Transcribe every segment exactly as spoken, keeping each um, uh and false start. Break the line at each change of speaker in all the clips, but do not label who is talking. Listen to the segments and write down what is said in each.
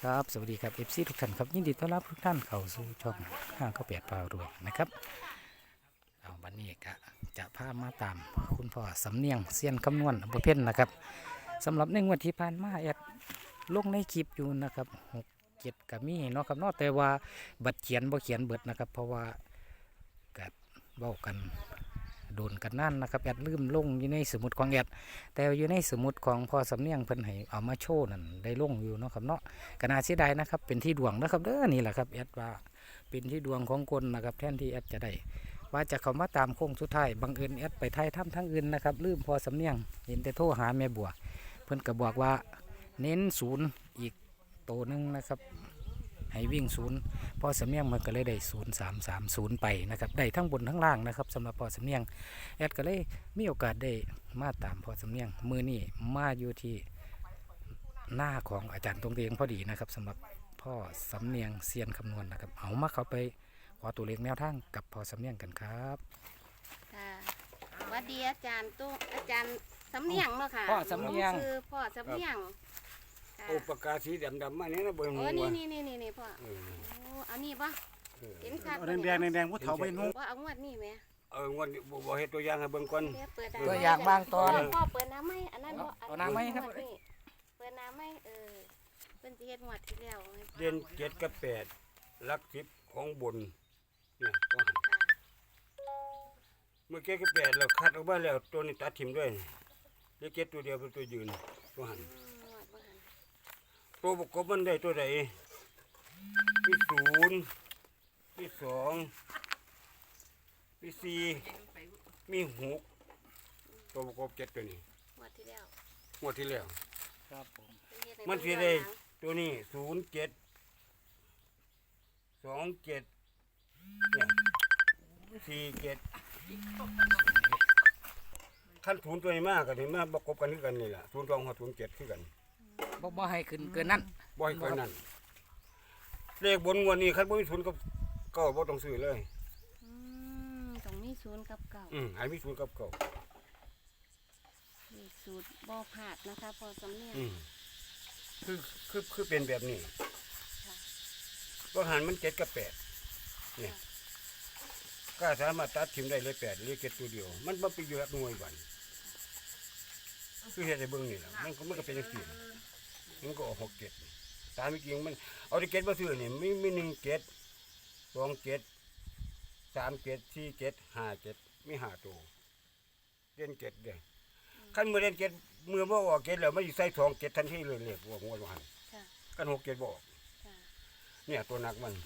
ครับสวัสดีครับ เอฟ ซี ทุกท่านครับยินดีต้อนรับทุกท่านเข้าสู่ช่องห้างข้าวเปียกปลารวยนะครับเอาวันนี้ก็จะพามาตามคุณพ่อสำเนียงเซียนคำนวณอำเภอเพ่นนะครับสำหรับในงวดที่ผ่านมาแอดลงในคลิปอยู่นะครับหกเจ็ดกับมีเนาะครับเนาะแต่ว่าบัตรเขียนบ่เขียนเบิดนะครับเพราะว่ากัดเว้ากันโดนกันนั่นนะครับแอดลืมลงอยู่ในสมุดของแอดแต่อยู่ในสมุดของพ่อสำเนียงเพิ่นให้เอามาโชว์นั่นได้ลงอยู่เนาะครับเนาะกน่าเสียดายนะครับเป็นที่ดวงนะครับเด้อนี่แหละครับแอดว่าเป็นที่ดวงของคนนะครับแทนที่แอดจะได้ว่าจะเข้ามาตามโค้งสุดท้ายบังเอิญแอดไปไทยถ้ำทั้งอื่นนะครับลืมพ่อสำเนียงเห็นแต่โทรหาแม่บัวเพิ่นก็บอกว่าเน้นศูนย์อีกโตนึงนะครับให้วิ่งศูนย์พอสำเนียงมันก็เลยได้ศูนย์สามสามศูนย์ไปนะครับได้ทั้งบนทั้งล่างนะครับสำหรับพอสำเนียงแอดก็เลยมีโอกาสได้มาตามพอสำเนียงมือนี่มาอยู่ที่หน้าของอาจารย์ตรงเตียงพอดีนะครับสำหรับพ่อสำเนียงเซียนคำนวณนะครับเอามาเขาไปขอตัวเลขแนวทางกับพอสำเนียงกันครับ
ค่ะสวัสดีอาจารย์ตู้อาจารย์สำเนียงเนาะค่ะ
พ่อสำเนียง
คือพ่อสำเนียงค่ะ
โอ้ปากกาสีดำๆมาเนี่ยนะเบิ่ง
โอ้
หัว
นี่นี่นี่นี่นี่พ่อ
เออ
โอ้เอานี่ปะ
เออ
เห็นคัก
แดงแดงแดงๆผู้เฒ่าไปนุ่ง
ว่าเอางวดนี่ไหม
เอองวดนี้บ่บ่เฮ็ดตัวอย่างให้เบิ่งก่อน
เดี๋ยวเปิด
ตัวอย่างบางตอน
พ่อเปิดน้ำไหมอันนั้นบ่
เอาน้ำไหมครับ
งวดนี่เปิดน้ำไหมเออเป็นสิเฮ็ดงวดที่แล้วให้พ่อ
เด่นเจ็ดกับแปดหลักสิบของบนเนี่ยก็หัน
ค่ะ
เมื่อเจ็ดกับแปดเราคัดออกมาแล้วตัวนี้ตัดทิ่มด้วยเหลือเจ็ดตัวเดียวเป็นตัวยืนตัวหัน
อืมงวดบ่หัน
ตัวประกบมันได้ตัวใดมีศูนย์มีสองมีสี่มีหกตัวประกบเจ็ดตัวนี้
งวดที่แล้ว
งวดที่แล้ว
ครับผม
เป็นเฮ็ดให้
มันสิ
เบิ่ง
ได้
ย้อนหลัง
ตัวนี้ศูนย์เจ็ดสองเจ็ดเนี่ยสี่เจ็ดขั้นศูนย์ตัวนี้มากกันนี่มาประกบกันคือกันนี่แหละศูนย์สองหัวศูนย์เจ็ดคือกัน
บ่บ่ให้ขึ้นเกินนั้น
บ่อยกว่านั้นเลขบนงวดนี้ขั้นบ่มีศูนย์กับเก้าบ่ต้องซื้อเลย
อืมตรงนี้ศูนย์กับเก่า
อืมให้มีศูนย์กับเก้า
เลขสูตรบ่พลาดนะคะพ่อสำเนียง
อืมคือคือคือเป็นแบบนี้
ค่ะ
ว่าหันมันเจ็ดกับแปดเนี่ยก็สามารถตัดทิมได้เลยแปดเรียกเจ็ดตัวเดียว มันบ่ไปอยู่กับหน่วยบันคือเฮ็ดให้เบิ่งนี่ล่ะมันก็มันก็เป็นจังซี่มันก็ออกหกเจ็ดตามจริงมันเอาที่เจ็ดมาซื้อนี่มีมีหนึ่งเจ็ดสองเจ็ดสามเจ็ดสี่เจ็ดห้าเจ็ดมีห้าตัวเล่นเจ็ดเด้ขั้นเมื่อเล่นเจ็ดเมื่อบ่ออกเจ็ดแล้วมันสิใส่สองเจ็ดทันทีเลยเรียกว่าหัวว่าหัน
ค่ะ
กันหกเจ็ดบ่ออก
ค่ะ
เนี่ยตัวหนักมัน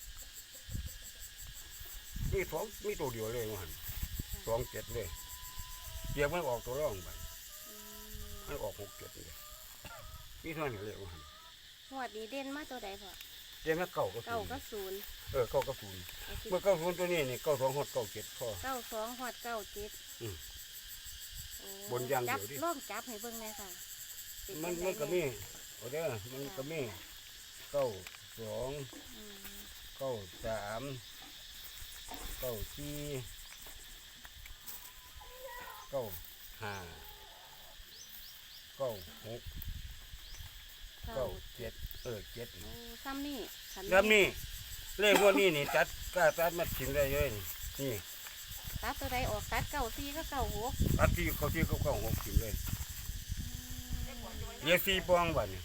มีสองมีตัวเดียวเลยว่าหันสองเจ็ดเลยเดี๋ยวมันออกตัวร่องไป
อืม
มันออกหกเจ็ดเลยมีเท่านี้เลยว่าหัน
งวดนี้เด่นมาตัวใดพ่อ
เดี๋ยวมันเก่าก็
เก้า
ศูนย์
ก็ศูนย์
เออเก่าก็ศูนย์
เอาสิ
เมื่อเก้าศูนย์ตัวนี้นี่เก้าสองหดเก้าเจ็ดพอ
เก้าสองหอดเก้าเจ็ด
อืม
โอ้
บนอย่างเดียว
จับ
ดิ
ลองจับให้เบิ่งแม่ค่ะเป็
มัน
จังใด
มันก็มีโอ้เด้อมันก็มีเก้าสอง
อืม
เก้าสามเก้าสี่เก้าห้าเก้าหก
เก้า
เก้าเจ็ดเออเจ็ด
โอ้ซ้ำนี่ขัน
แล้วนี่เลขพวกนี้นี่ตัดกล้าตัดมาทิ้งได้เลยนี่
ตัดตัวใดออกตัดเก้าสี่ก็เก้าหก
ตัดที่เขาที่เขาเก้าหกทิ้งเลยเรียกสี่ปองบัดนี่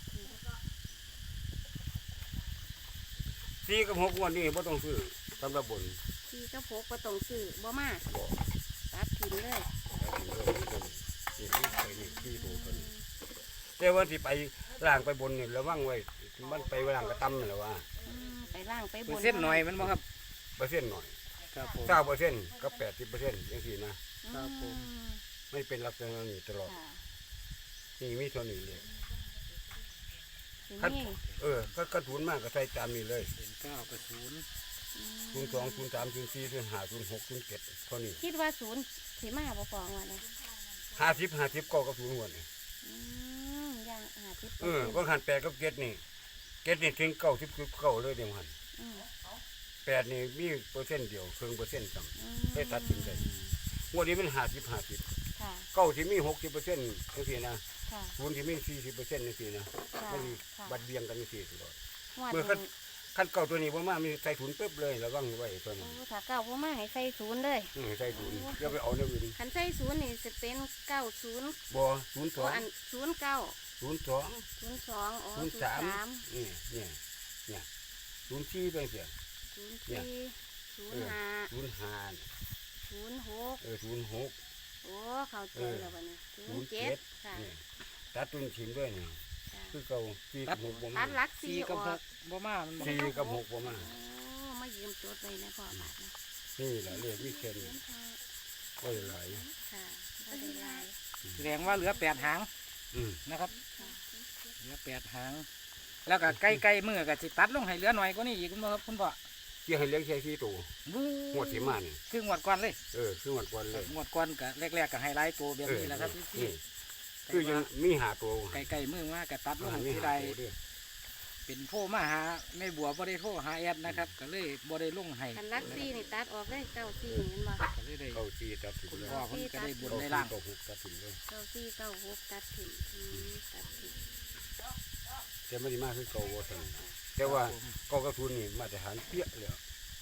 สี่กับหกวันนี้ไ่ต้องซื้อสำหรับบน
สี่ก็พกก็ต้องซื้อบ่มา
บอก
ตัดทิ้งเลย
ทิ้งเลยนี่นี่ไปนี่ที่ตัวคนแต่ว่าที่ไปล่างไปบนนี่ระวังไว้มันไปล่างกระตั้มนี่แหละว่า
อืมไปล่างไปบ
เปอน ร์เซ็นต์หน่อยมันบ่ครับ
เปอร์เซ็นต์หน่อย
ครับผม
เก้าเปอร์เซ็นต์กับแปดสิบเปอร์เซ็นต์อย่างสี่นะครับ
ผม
อืม
ไม่เป็นลักษณะนี้ตลอด
ค่ะ
นี่มีเท่านี้เลย
ที
คัน
นี้
เออก็กระถุนมากก็ใส่ตามนี้เลย
เป็นเก้ากับศูนย์
อืม
ศูนย์สองศูนย์สามศูนย์สี่ศูนย์ห้าศูนย์หกศูนย์เจ็ดเท่านี้
คิดว่าศูนย์สีมาบ่ฟองวะเนี่ย
ห้าสิบห้าสิบเก้ากับศูนย์หัวนี่
อืมย่างหาทิพย์
เออก็หันแปดกับเจ็ดนี่เจ็ดนี่ถึงเก้าสิบเก้าเลยเดียวหัน
อืม
แปดนี่มีเปอร์เซ็นต์เดียวครึ่งเปอร์เซ็นต์ต่ำ
อืม
ได้ตัดสินใจงวดนี้มันห้าสิบห้าสิบ
ค่ะ
เก้าที่มีหกสิบเปอร์เซ็นต์ทั้งทีนะ
ค่ะ
ศูนย์ที่มีสี่สิบเปอร์เซ็นต์นี่สินะ
ค่ะ
มัน
ค่ะ
บัดเบียงกันนี่สิตลอด
งวด
เมื่อ
นี้
ขั้นขั้นเก่าตัวนี้บ่มามีใส่ถุนปึ๊บเลยระวังไว้ตัวนี้
โอ้ถ้าเก้าบ่มาให้ใส่ศูนย์เลย
อืมใส่ถุนอย่าไปเอาเนื้ออื่น
คันใส่ศูนย์นี่จะเป็นเก้าศูนย์
บ่ศูนย์ส
โอ้
อง
อันศูนย์เก้า
ศูนย์สอง
ศูนย์สองอ๋อ
ศู
ศู
น
น
ย์
ย์
สาม
สาม
นี่เนี่ยเนี่ยศูนย์สี่ไปเสีย
ศูนย์
เนี่ย
สี่ศูน
เอ
ย์
อ
ห้า
ศูนย์ห้า
ศูนย์หก
เออศูนย์หก
โอ้เข้าใจแล้วบัดนี้ศู
ศู
น
น
ย์
ย์
เจ็
เจ็
ด
ด
ค่ะ
นี่ตัดตุนถิ่มด้วยนี่
ค่ะ
คือเก่าสี่กับหกบ่
ตั
มา
ดหลักสี่
สี่
อ
กับ
อ
ห
ก
กบ่มามันบ่
สี่กับหกบ่มา
โอ้มายืมจดไว้นะพ่อบาทนะ
นี่แหละเลขวิเศษนี่ก็หลาย
ค่ะบ่ได้หลาย
แสดงว่าเหลือแปดหาง
อืม
นะครับ
ค่ะ
เหลือแปดหาง แล้วก็ใกล้ๆมือก็สิตัดลงให้เหลือหน่อยกว่านี้อีกคุณพ่อครับคุณพ่อ
เกี่ยให้เลี้ยงแค่สี่ตัว
บู๊
งวดที่มานี่
คืองวดก่อนเลย
เออคือวันก่อนเลย
งวดก่อนก็แรกๆก็ให้หลายตัวแบบนี้แหละครับที่
นี่คือยังมีหาตัว
ใกล้ๆมือว่าก็ตัดลง
มี
ที่
หา
ใด
ตัวด้วย
เป็นโทรมาหาแม่บัวบ่ได้โทรหาแอดนะครับ ก็เลยบ่ได้ลงให้
คันหลักสี่นี่ตัดออกได้เก้าสี่เห็นบ่
ก็เลยได้
เข้าสี่ตัดถึง
คุณ
เลย
พ่อเพิ่นก็ได้บุญ
เข้า
ใน
สี่
ร่าง
เข้าหกตัดถึงเลย
เก้าสี่เก้าหกตัดถิ่นอืมตัดถิ่น
แต่ไม่ได้มาคือเก่าว่าสั่งแต่ว่าเก่ากระทุนนี่มาตรฐานเปี้ยเลย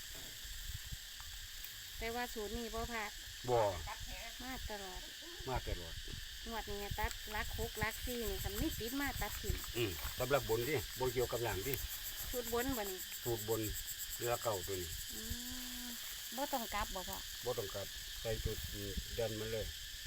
แต่ว่าศูนย์นี่บ่พลาด
บ่
มาตลอด
มาตลอด
งวดนี้ตัดลักหกลักสี่นี่คันมีติดมาตัดถิ่น
อืมสำหรับบนที่บนเกี่ยวกับหลังที่
ชุดบนบ่นี่
สูตรบนเรือเก่าตัวนี้
อืมบ่ต้องกลับบ่พ่อ
บ่ต้องกลับใส่จุดเดินมาเลย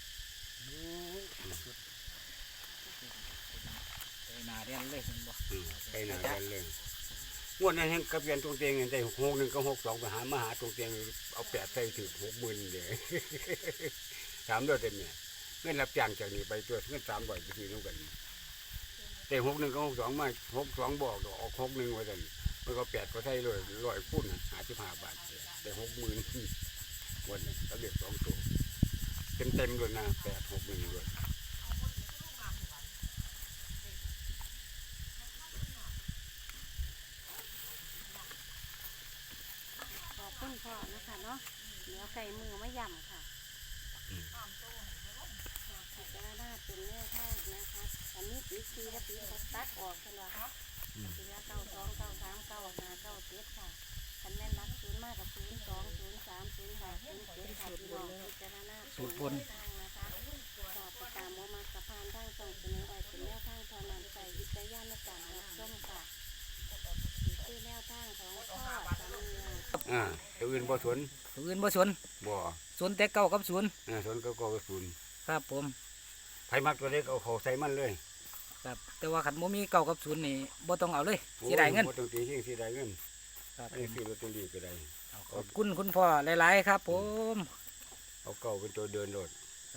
ไปหน้าเรียนเลยคุณบ่
อืมไปหนาเดินเลยงวดนั้นเห็นกับเรียนตรงเตียงได้หกหนึ่งก็หกสองไปหามาหาตรงเตียงเอาแปดใส่ถึงหกหมื่นเดียว ถามด้วยเต็มเนี่ยเงินรับจ้างจากนี้ไปตัวเงินสามร้อยไปทีนู้นกัน แต่หกหนึ่งก็หกสองมาหกสองบอกดอกออกหกหนึ่งไว้กันมันก็แปดก็ใช่เลยร้อยพุ่นหาสิบห้าบาทแต่หกหมื่นวันนี้ก็เรียกสองตัวเต็มเต็มเลยนะแปดหกหนึ่งเลย
ขอบคุณพ่อนะคะเนาะเดี๋ยวไก่มือมาย่ำค่ะพิจารณาเป็นแนวทางนะคะอันนี้ปีสี่และปีหกตัดออกกันว่าปีละเก้าสองเก้าสามเก้าห้าเก้าเจ็ดค่ะคันแม่นรักศูนย์มากกับศูนย์สองศูนย์สามศูนย์ห้าศูนย์เจ็ดค่ะพี่น้องพิจารณาเป็นแนวทางนะคะสอบประกามโมมากระพานทางส่งเสนอไว้เป็นแนวทางเท่านั้นใส่วิจารณญาณในการรับชมค่ะนี่คือแนวทางของพ่อสามี
อ่าตัวอื่นบ่สน
ตัวอื่นบ่สน
บ่
สนแต่เก้ากับศูนย์
อ่าสนก็ก็ศูนย์
ครับผม
ไผมักตัวเล็กเอาเขาใส่มันเลย
ครับแต่ว่าขันบ่มีเก้ากับศูนย์นี่บ่ต้องเอาเลยเสียดายเงิน
บ่ต้องตีทิ้งเสียดายเงิน
ครับ
อันนี้ซื้อลอตเตอรี่ก็ได้
ขอบคุณคุณพ่อหลายๆครับผม
เอาเก่าเป็นตัวเดินโลด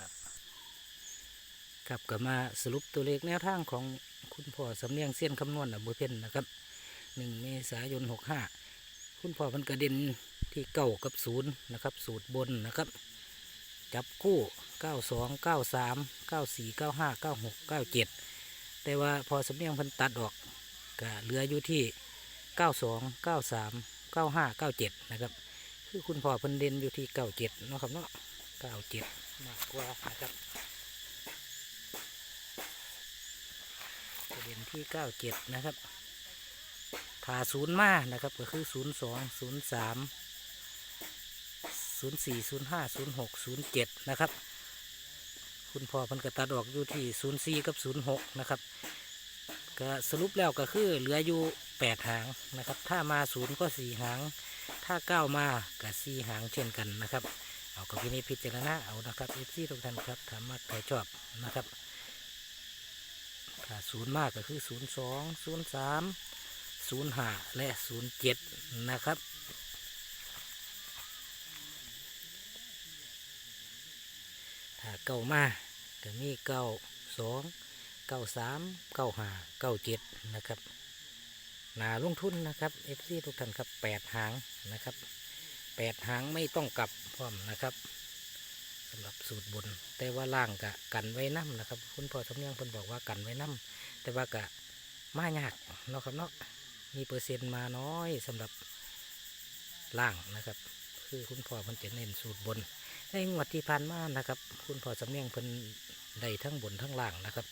ครับก็มาสรุปตัวเลขแนวทางของคุณพ่อสำเนียงเส้นคำนวณอำเภอเพ็ญนะครับหนึ่งเมษายนหกห้าคุณพ่อมันกระเด็นที่เก้ากับศูนย์นะครับสูตรบนนะครับ จับคู่เก้าสองเก้าสามเก้าสี่เก้าห้าเก้าหกเก้าเจ็ดแต่ว่าพอสำเนียงเพันตัดออกก็เหลืออยู่ที่เก้าสองเก้าสามเก้าห้าเก้าเจ็ดนะครับคือคุณพ่อเพันเด่นอยู่ที่เก้าเจ็ดเนาะครับเนาะเก้าเจ็ดมากกว่านะครับประเด็นที่เก้าเจ็ดนะครับถ้าศูนย์มานะครับก็คือศูนย์สองศูนย์สามศูนย์สี่ศูนย์ห้าศูนย์หกศูนย์เจ็ดนะครับคุณพ่อเพันกระตัดออกอยู่ที่ศูนย์สี่กับศูนย์หกนะครับก็สรุปแล้วก็คือเหลืออยู่แปดหางนะครับถ้ามาศูนย์ก็สี่หางถ้าเก้ามาก็สี่หางเช่นกันนะครับเอากับพินิจพิจารณาเอานะครับเอฟซีทุกท่านครับถามมาใครชอบนะครับถ้าศูนย์มากก็คือศูนย์สองศูนย์สามศูนย์ห้าและศูนย์เจ็ดนะครับถ้าเก้ามาก็มีเก้าสองเก้าสามเก้าห้าเก้าเจ็ดนะครับนาลงทุนนะครับเอฟซีทุกท่านครับแปดหางนะครับแปดหางไม่ต้องกลับพร้อมนะครับสำหรับสูตรบนแต่ว่าล่างกะกันไว้น้ำนะครับคุณพ่อสำเนียงเพิ่นบอกว่ากันไว้น้ำแต่ว่ากะมายากเนาะครับเนาะมีเปอร์เซ็นต์มาน้อยสำหรับล่างนะครับคือคุณพ่อเพิ่นจะเน้นสูตรบนในงวดที่ผ่านมานะครับคุณพ่อสำเนียงเพิ่นได้ทั้งบนทั้งล่างนะครับ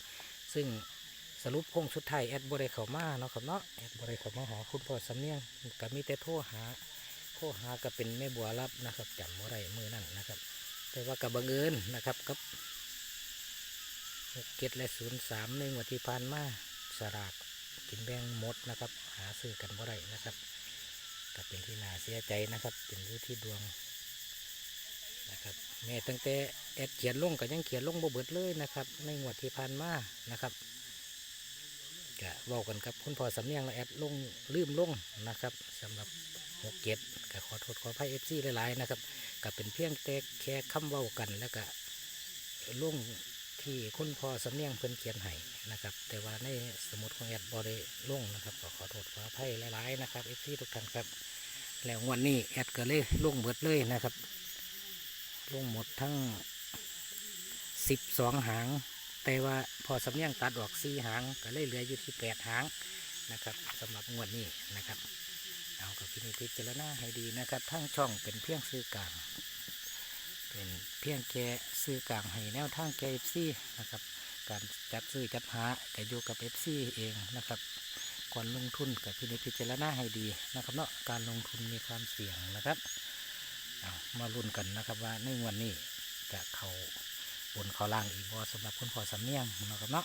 ซึ่งสรุปโค้งสุดท้ายแอดบริเข้ามาเนาะครับเนาะแอดบริเข้ามาหาคุณพ่อสำเนียงก็มีแต่โทรหาโทรหาก็เป็นแม่บัวรับนะครับจำบ่ได้มือนั่นนะครับ แต่ว่ากับบังเอิญนะครับกับหกเจ็ดและศูนย์สามในงวดที่ผ่านมาสลากกินแบ่งหมดนะครับ หาซื้อกันบ่ได้นะครับก็เป็นที่น่าเสียใจนะครับเป็นอยู่ที่ดวงนะครับแม่ตั้งแต่แอดเขียนลงก็ยังเขียนลงบ่เบิดเลยนะครับในงวดที่ผ่านมานะครับก็เว้ากันกับคุณพ่อสำเนียงและแอดลงลืมลงนะครับสำหรับหกเจ็ดก็ขอโทษขออภัยเอฟซีหลายๆนะครับก็เป็นเพียงแต่แค่คำเว้ากันแล้วก็ลงที่คุณพ่อสำเนียงเพิ่นเขียนให้นะครับแต่ว่าในสมุดของแอดบ่ได้ลงนะครับก็ขอโทษขออภัยหลายๆนะครับเอฟซีทุกท่านครับแล้ววันนี้แอดก็เลยลงเบิดเลยนะครับลงหมดทั้งสิบสองหางแต่ว่าพอสำเนียงตัดออกสี่หางก็เลยเหลืออยู่ที่แปดหางนะครับสำหรับงวดนี้นะครับเอากับพินิจพิจารณาให้ดีนะครับทั้งช่องเป็นเพียงซื้อกลางเป็นเพียงแค่ซื้อกลางให้แนวทางแกเอฟซีนะครับการจัดซื้อจัดหาก็อยู่กับเอฟซีเองนะครับก่อนลงทุนกับพินิจพิจารณาให้ดีนะครับเนาะการลงทุนมีความเสี่ยงนะครับเอามาลุ้นกันนะครับว่าในงวดนี้จะเข้าบนเขาล่างอีกบ่สำหรับคุณพ่อสำเนียงนะครับเนาะ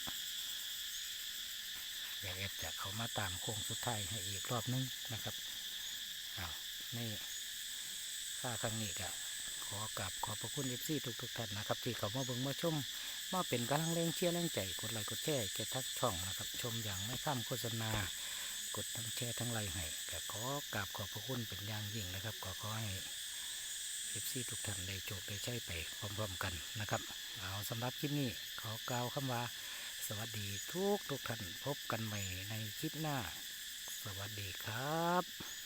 อยากเอฟจะเขามาตามโค้งสุดท้ายให้อีกรอบนึงนะครับเอาในค่าครั้งนี้ก็ขอกราบขอบพระคุณเอฟซีทุกทุกๆท่านนะครับที่เขามาเบิ่งมาชมมาเป็นกำลังแรงเชียร์แรงใจกดไลค์กดแชร์แก่ทักช่องนะครับชมอย่างไม่ข้ามโฆษณากดทั้งแชร์ทั้งไลค์ให้ก็ขอกราบขอบพระคุณเป็นอย่างยิ่งนะครับก็ขอให้เอฟซีทุกท่านได้โชคได้ใช้ไปพร้อมๆกันนะครับเอาสำหรับคลิปนี้ขอกล่าวคำว่าสวัสดีทุกทุกท่านพบกันใหม่ในคลิปหน้าสวัสดีครับ